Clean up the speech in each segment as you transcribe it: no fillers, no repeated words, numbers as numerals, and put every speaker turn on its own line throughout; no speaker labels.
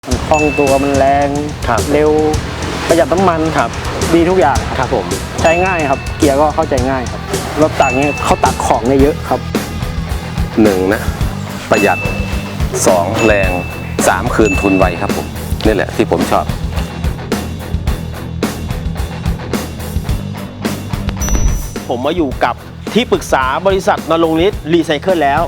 มันคล่องตัวมันแรงเร็วประหยัดน้ำมันดีทุกอย่างครับผมใช้ง่ายครับเกียร์ก็เข้าใจง่ายครับรถตักเนี้ยเขาตักของได้เยอะครับ
1นะประหยัด2แรง3คืนทุนไวครับผมนี่แหละที่ผมชอบ
ผมมาอยู่กับที่ปรึกษาบริษัทณรงค์ฤทธิ์รีไซเคิลแล้ว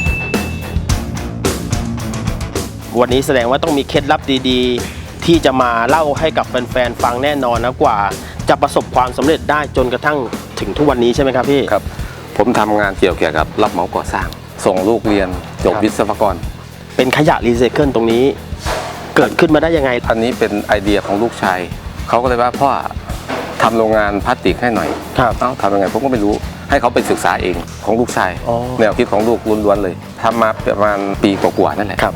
วันนี้แสดงว่าต้องมีเคล็ดลับดีๆที่จะมาเล่าให้กับแฟนๆฟังแน่นอนนะกว่าจะประสบความสำเร็จได้จนกระทั่งถึงทุกวันนี้ใช่ไหมครับพี่
ครับผมทำงานเกี่ยวกับรับเหมาก่อสร้างส่งลูกเรียนจบวิศวกร
เป็นขยะรีไซเคิลตรงนี้เกิดขึ้นมาได้ยังไง
อันนี้เป็นไอเดียของลูกชายเขาก็เลยว่าพ่อทำโรงงานพลาสติกให้หน่อยทำยังไงผมก็ไม่รู้ให้เขาไปศึกษาเองของลูกชายแนวคิดของลูกล้วนๆเลยทำมาประมาณปีกว่าๆนั่นแหละ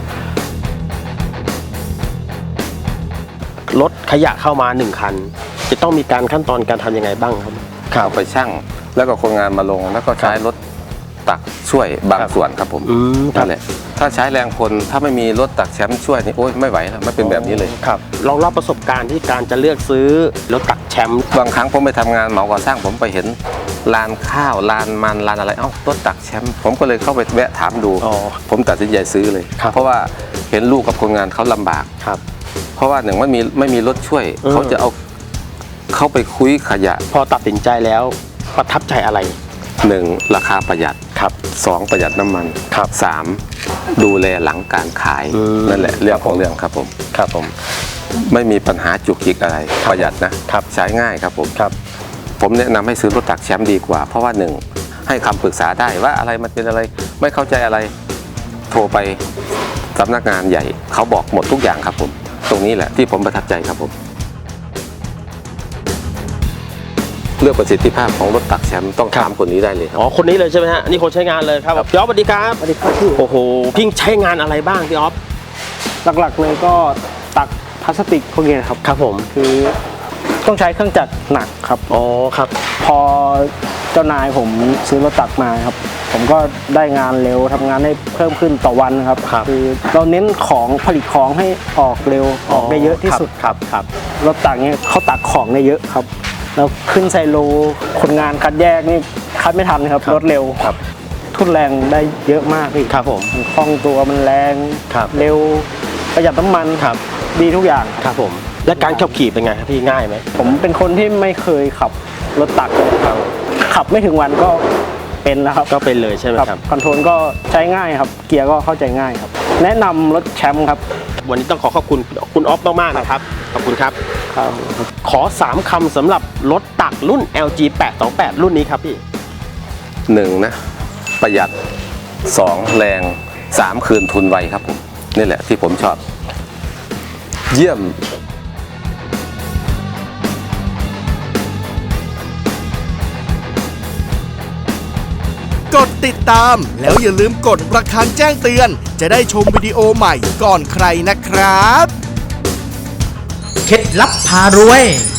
รถขยะเข้ามา1คันจะต้องมีการขั้นตอนการทำยังไงบ้างครับ
เอาไปชั่งแล้วก็คนงานมาลงแล้วก็ใช้รถตักช่วยบางส่วนครับผมนั่นแหละถ้าใช้แรงคนถ้าไม่มีรถตักแชมป์ช่วยนี่โอ๊ยไม่ไหวแล้วไม่เป็นแบบนี้เลย
ครับลองเล่าประสบการณ์ที่การจะเลือกซื้อรถตักแชมป์
บางครั้งผมไปทำงานเหมาก่อสร้างผมไปเห็นลานข้าวลานมันลานอะไรรถตักแชมป์ผมก็เลยเข้าไปแวะถามดูผมตัดสินใจซื้อเลยเพราะว่าเห็นลูกกับคนงานเขาลำบากเพราะว่าหนึ่งไม่มีรถช่วยเขาจะเอาเข้าไปคุยขยะ
พอตัดสินใจแล้วประทับใจอะไร
1ราคาประหยัด2ประหยัดน้ำมัน3ดูแลหลังการขายนั่นแหละเรื่องของเรื่องครับผมไม่มีปัญหาจุกจิกอะไรประหยัดนะใช้ง่ายครับผมแนะนำให้ซื้อรถตักแชมป์ดีกว่าเพราะว่า1ให้คำปรึกษาได้ว่าอะไรมันเป็นอะไรไม่เข้าใจอะไรโทรไปสำนักงานใหญ่เขาบอกหมดทุกอย่างครับผมตรงนี้แหละที่ผมประทับใจครับผมเรื่องประสิทธิภาพของรถตักแชมป์ต้องถามคนนี้ได้เลยครับ
คนนี้เลยใช่ไหมฮะนี่คนใช้งานเลยครับพี่อ๊อฟสวัสดีครับ
สวัสดีครับพี่
โอ้โหพี่ใช้งานอะไรบ้างพี่อ๊อฟ
หลักๆเลยก็ตักพลาสติกพวกนี้ครับผมคือต้องใช้เครื่องจักรหนักครับ
ครับ
พอเจ้านายผมซื้อรถตักมาครับผมก็ได้งานเร็วทำงานได้เพิ่มขึ้นต่อวันครับคือเราเน้นของผลิตของให้ออกเร็วออกได้เยอะที่สุด
ครับ
รถตักเนี้ยเขาตักของได้เยอะครับแล้วขึ้นไซโลคนงานคัดแยกนี่คัดไม่ทันครับรถเร็วทุ่นแรงได้เยอะมากพี่
ครับผม
มันคล่องตัวมันแรงเร็วประหยัดน้ำมันดีทุกอย่าง
ครับผมและการขับขี่เป็นไงครับพี่ง่ายไหม
ผมเป็นคนที่ไม่เคยขับรถตักเลยครับขับไม่ถึงวันก็เป็นแล้วครับ
ก็เป็นเลยใช่ไหมครับ
คอนโทรลก็ใช้ง่ายครับเกียร์ก็เข้าใจง่ายครับแนะนำรถแชมป์ครับ
วันนี้ต้องขอบคุณคุณอ๊อฟมากๆนะครับขอบคุณครับขอ3คำสำหรับรถตักรุ่น LG 828รุ่นนี้ครับพี่
1นะประหยัด2แรง3คืนทุนไวครับผมนี่แหละที่ผมชอบเยี่ยม
กดติดตามแล้วอย่าลืมกดระฆังแจ้งเตือนจะได้ชมวิดีโอใหม่ก่อนใครนะครับเคล็ดลับพารวย